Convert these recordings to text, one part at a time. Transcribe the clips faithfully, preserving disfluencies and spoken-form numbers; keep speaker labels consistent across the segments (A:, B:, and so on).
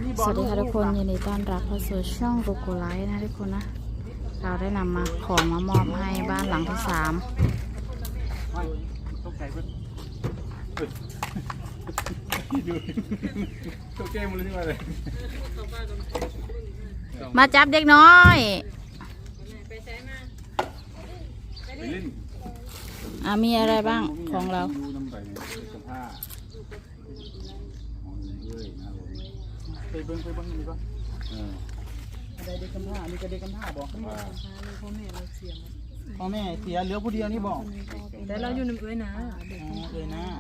A: สวัสดีค่ะทุกคนยินดีต้อนรับเข้าสู่ช่องโกโกไลท์นะทุกคนนะเราได้นำมาของมามอบให้บ้านหลังที่สาม
B: ตกใจเพิ่นดูตกใจหมดเลยที่ว่าเลย
A: มาจับเด็กน้อย
B: ไปเล่น
A: อ่ะมีอะไรบ้างของเรา
B: ดูน้ำใบเสื้อผ้าไปเบิ้งไปเบิ้งนี่ก่อนอะไรเด็กกำพร้ามีกระเด็กกำพร้าบอกว่าพ่อแม่เราเสียพ่อแม่เสียเหลือผู้เดียวนี่บอก
C: แต่เราอยู่ในเอ้ยนะ
B: เอ้ยนะ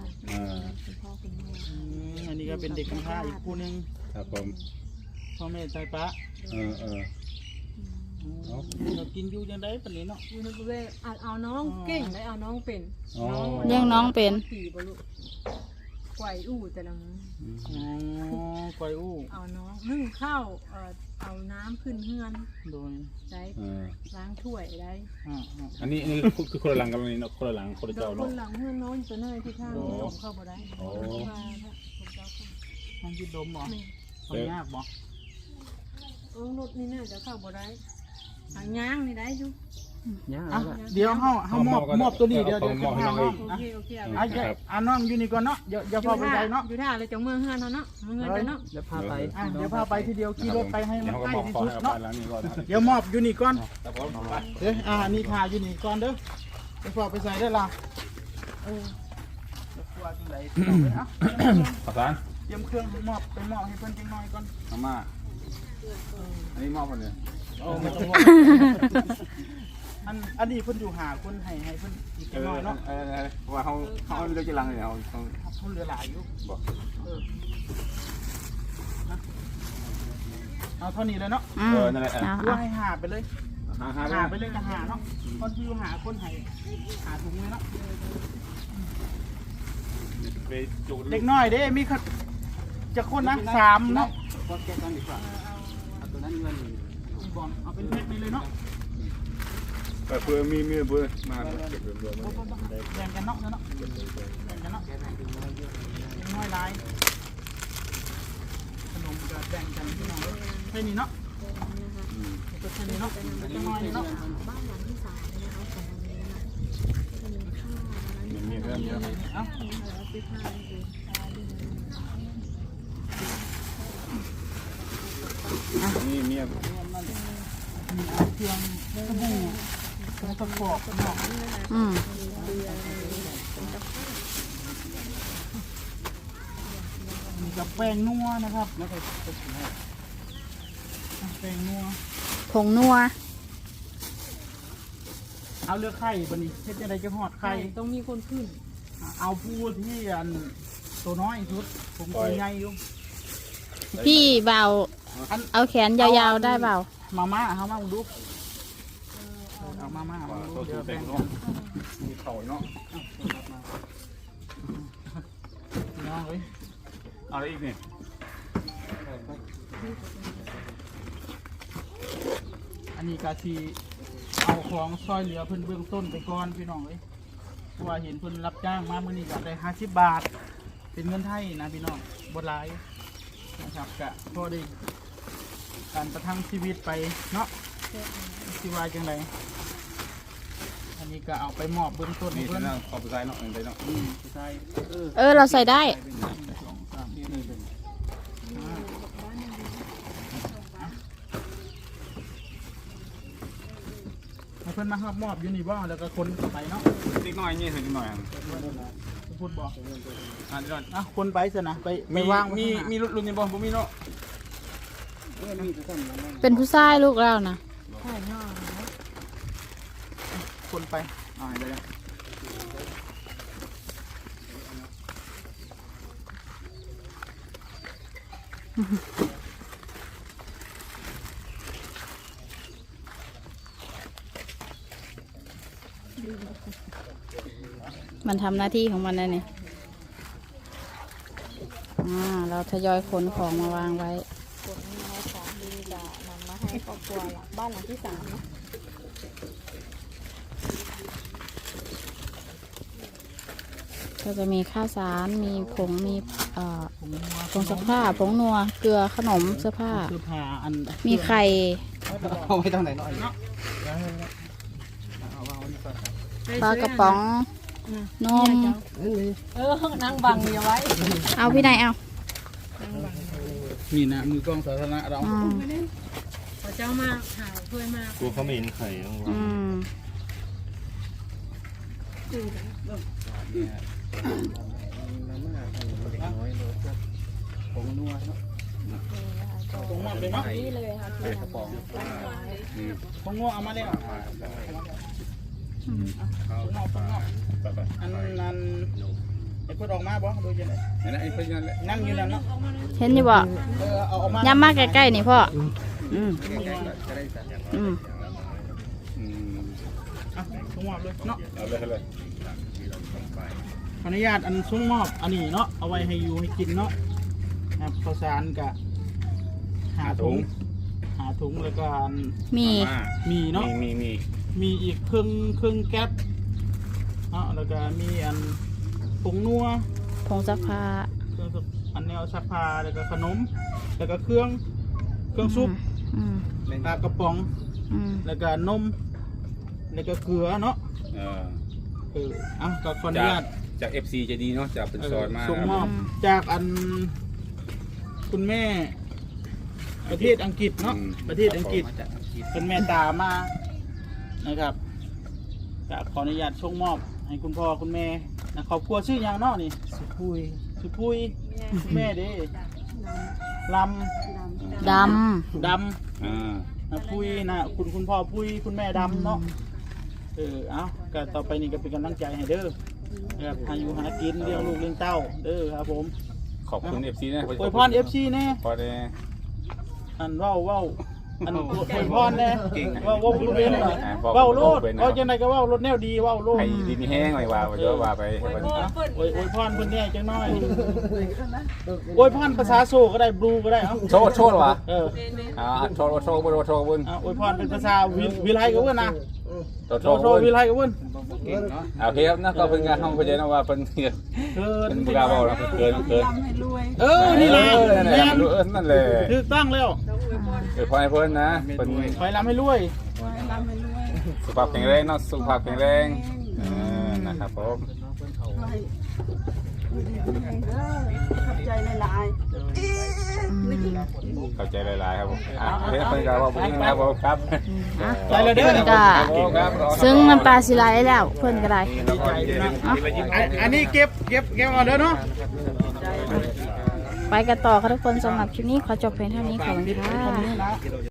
B: อันนี้ก็เป็นเด็กกำพร้าอีกคู่นึงครับผมพ่อแม่ใจปะเออเออเรากินอยู่ยังได้ปนนี้เนาะ
C: อยู่ในเอ้ยอาจเอาน้องเก่งได้เอาน้องเป็น
A: เลี้ยงน้องเป็น
C: ไก่อู้แต่ละมื้อ
B: อ๋อไก่อู้
C: เอาน้องนึ่งข้าวเอ่อเอาน้ำขึ้นเฮือน
B: โดย
C: ได้ล้างถ้วยได้
B: อันนี้นี่คือคนละหลังกันนี่เนาะคนละหลังคนละเจ้าเนาะ
C: คนหลังเฮือนน้องตัวน้อยที่ข้างน้องเข้าบ่ได้
B: โอ้มันยืดดมบ่มันยากบ่
C: เออรถนี่น่าจะเข้าบ่ได้ทางย่างนี่ได้อยู่
B: เดี๋ยวเฮาเฮามอบมอบตัวนี้เดี๋ยวเดี๋ยวจะพาน้อง
C: โอเคโอเคอ่
B: ะอ่ะน้องอยู่นี่ก่อนเนาะอย่าอย่าพาไปไกลเนาะ
C: อยู่ท่าเลยจังเมืองเฮือนเนาะเมืองเฮือนเนาะ
B: เดี๋ยวพาไปอ่ะเดี๋ยวพาไปทีเดียวขี่รถไปให้มันใกล้ที่สุดเนาะเดี๋ยวมอบอยู่นี่ก่อนเด้ออ่านี่ค่ะอยู่นี่ก่อนเด้อไปฝากไปใส่ได้ล่ะเออจะกลัวจังได๋เนาะขอบคุณเตรียมเครื่องมอบไปมอบให้เพิ่นจังหน่อยก่อนมาม่าอันนี้มอบเพิ่นเนี่ยโอ้ไม่ต้องมอบอันอันนี้เพิ่นอยู่หาคนให้ให้เพิ่นอีกจังหน่อยเนาะเออๆว่าเฮาเฮาเลือกจะลังเนี่ยเฮาเฮาเฮาเหลือหลายอยู่บ่เออเอาเท่านี้เลยเนาะเออนั่นแหละว่าให้หาไปเลยหาหาไปเลยจะหาเนาะคนที่อยู่หาคนให้หาถุงเลยเนาะเด็กน้อยเด้มีจะคนนะสามเนาะเอาแก้กันดีกว่าเอาตัวนั้นเงินบอลเอาเป็นเพชรไปเลยเนาะแต่เพื่อมีมีเพื่อมาเก็บรวมๆแบ่งกันเนาะเนาะแบ่งกันเนาะน้อยลายขนมจะแบ่งกันที่น้องแค่นี้เนาะแค่นี้เนาะจะน้อยเนาะบ้านหลังที่สามนะคะของวันนี้นะคะมีเรื่องเยอะเอ้านี่เมียมีเครื่องสบู่เครื่องตะกอกเนาะอืมมีกับแป้งนัวนะครับแล้วก็แป้งนัว
A: ผงนัว
B: เอาเลือกไข่บันนี้เฮ็ดจะได้จะหอดไข่
C: ต้องมีคนขึ้น
B: เอาผู้ที่อันตัวน้อยสุดผมตัวใหญ่อยู่
A: พี่เบาเอาแขนยาวๆได้เปล่า
B: มาม่าเอามาดูเอามาม่าตัวสูงเต็มเนาะมีเข่าเนาะน้องเอ้ยเอาอะไรอีกเนี่ยอันนี้กาทีเอาของซอยเหลือเพิ่นเบื้องต้นไปก่อนพี่น้องเอ้ยเพราะว่าเห็นเพิ่นรับจ้างมาเมื่อนี้ก็ได้ห้าสิบบาทเป็นเงินไทยนะพี่น้องบดหลายนะครับกะพอดีการประทังชีวิตไปเนาะชีวายจังไรอันนี้ก็เอาไปมอบเบื้องต้นนี่เพื่อนขอบใจเนาะเองได้เนาะ
A: เออเราใส่ได้
B: เพื่อนมาครับมอบยูนิบอลแล้วก็คนต่อไปเนาะนิดหน่อยนี่ถึงนิดหน่อยพูดบอกอ่าอ่ะคนไปสินะไปไม่ว่างมีมีรถรุ่นนี้บอลผมมีเนาะ
A: เป็นผู้ชายลูกเรานะ
C: ใช่เนาะ
B: คนไปอ่าเดี๋ยว
A: มันทำหน้าที่ของมันนะเนี่ยอ่าเราทยอยขนของมาวางไว้
C: ขนมาของดีจะนำมาให้ครอบครัวบ้านหลังที่สามเนาะ
A: ก็จะมีข้าวสารมีผงมีอ่อ
B: ผงนัว
A: ผงซักผ้าผงนัวเกลือขนมเสื้อผ้า
B: เสื้อผ้าอัน
A: มีไข่
B: เอาไว้ทางไหนหน่อยเนาะเอาวางไว้นี่ก่อน
A: ปลากระป๋องนม
C: เออนางบังอย่าไว้
A: เอาพี่นายเอา
B: นี่นะมือกล้องสาธารณะเรา
A: อืม
C: พอเจ้ามาหาเพื่อนมา
D: ตัวเขาไม่เห็นไข่ต้องวาง
A: อืม
B: ผงนัวเนาะผงนัวเลยเนาะ
A: นี่เลยค่ะพี่นำ
B: ผงนัวเอามาเลยอ่ะ
A: อืม
B: ผงนัวผงนัวอันนั้นไอ้เพื่อนออกมาบ่ดูยังไง
D: นั่นไอ้เพื่อนนั่นแหละ
B: นั่งอยู่นั่นเนาะ
A: เห็นอยู่บ่
B: เออเอาออกมา
A: ย้ำมาใกล้ๆนี่พ่ออืมอืม
D: อืม
B: อ่ะผงนัวเลยเนาะ
D: เอาเลยเอาเลย
B: ขออนุญาตอันซุ้งมอบอันนี้เนาะเอาไว้ให้อยู่ให้กินเนาะนะครับข้าวสารกะหาถุงหาถุงแล้วก็อัน
A: มี
D: มา
B: มีเนาะ
D: มีมีมี
B: มีอีกครึ่งครึ่งแก๊ปเนาะแล้วก็มีอันผงนัว
A: ผงซักผ้า
B: เครื่องซักอันแนวซักผ้าแล้วก็ขนมแล้วก็เครื่องเครื่องซุป
A: อืม
B: ปลากระป๋อง
A: อืม
B: แล้วก็นมแล้วก็เกลือเนาะ
D: เออ
B: เอออ่ะก็ขออนุ
D: จาก
B: ญาต
D: จาก เอฟ ซี จะดีเนาะจากเป็นซอยมา
B: ส่งมอบจากอันคุณแม่ ประเทศอังกฤษเนาะประเทศอังกฤษเป็นแม่ตามานะครับจะขออนุญาตส่งมอบให้คุณพ่อคุณแม่นะครอบครัวชื่อหยังเนาะนี่สุพุยสุพุยคุณแม่เด้ลำ
A: ด
B: ด
D: อ่า
B: ำนะพุยนะคุณคุณพ่อพุยคุณแม่ดำเนาะเออเอาก็ต่อไปนี่ก็เป็นกำลังใจให้เด้อนะครับอายุหากินเลี้ยงลูกเลี้ยงเต้าเด้อครับผม
D: ขอบคุณ เอฟ ซี นะ
B: อวยพรเอฟซีแน่
D: พอได้
B: อันเว้าเว้าอันอวยพรแน่เว้าเว้าลูกเว้นเหรอเว้าโลดเอาจังไดก็เว้ารถแนวดีเว้าโลด
D: ให้ดีมีแห้งหน่อยว่าเยอะว่าไป
B: อวยอวยพรเพิ่นแน่จังน้อยอวยพรภาษาโซก็ได้บลูก็ได้เอ้า
D: โชว์โชว์เหรอ
B: เออ
D: อ่าโชว์โชว์บนโชว์บน
B: อ่ะอวยพรเป็นภาษาวิวิไลก็เว้นนะ
D: โช
B: โซ
D: ว์โช
B: โซ
D: ว์บน
B: วิไลก็เว้น
D: โอเคครับนะก็เป็นการห้องพยานว่าเป็นเกิน
B: เกิน
D: เป็นบุกาบอกนะเกินเกิน
B: เออนี่แหละ
D: นั่นแห
B: แม่
D: ละ
B: น
D: เออนั่นแหละ
B: ถูกต้องแล้ว
D: เกิดพอให้เพิ่นนะเป็น
B: ไปลำให้รวย
D: สุขภาพแข็งแรงเนาะสุขภาพแข็งแรงเออนะครับผม
C: ขับใจหลาย
D: เข้าใจหลายๆครับผมอ่ะเฮ้ยเพิ่นก็ว่าบุญนะครับผมครับ
A: ำอ่ะ
B: ไปเลยเด้อ
A: เพิ่นก็
D: ครับ
A: ซึ่งน้ำปลาสิไหลแล้วเพิ่นก็ได้
B: อันอันนี้เก็บเก็บเก็บเอาเด้อเนาะ
A: ไปกันต่อค่ะทุกคนสำหรับคลิปนี้ขอจบเพียงเท่านี้ขอบคุณค่ะ